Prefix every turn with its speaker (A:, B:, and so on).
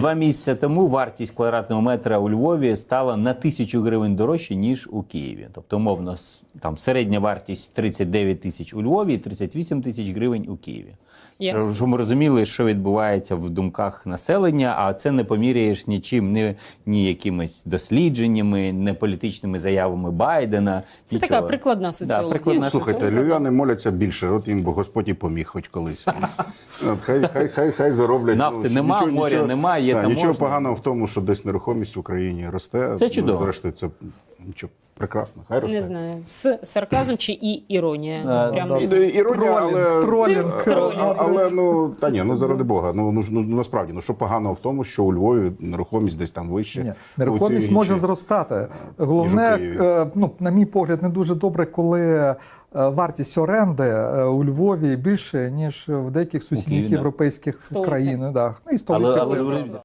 A: 2 місяці тому вартість квадратного метра у Львові стала на 1000 гривень дорожче, ніж у Києві. Тобто, умовно, там середня вартість 39 тисяч у Львові і 38 тисяч гривень у Києві.
B: Ясно.
A: Щоб ми розуміли, що відбувається в думках населення, а це не поміряєш нічим, ні якимись дослідженнями, не політичними заявами Байдена.
B: Це
A: нічого.
B: така прикладна соціологія.
A: прикладна
C: Слухайте, львів'яни моляться більше, от їм бо Господь і поміг хоч колись. От, хай зароблять.
A: Нафти нема, моря нема, є там
C: нічого
A: можна.
C: поганого в тому, що десь нерухомість в Україні росте.
A: Це чудово.
C: Зрештою, це нічого, прекрасно. Хай росте.
B: Не знаю, з сарказм чи іронія. Прямо.
C: Іронія, але...
D: Тролінг.
C: Але, та ні, заради Бога. Насправді, що поганого в тому, що у Львові нерухомість десь там вище.
D: Ні, нерухомість може зростати. Головне, на мій погляд, не дуже добре, коли вартість оренди у Львові більше, ніж в деяких сусідніх
A: Києві, да.
D: європейських
B: Столиці.
D: країн. І столиці.
A: Але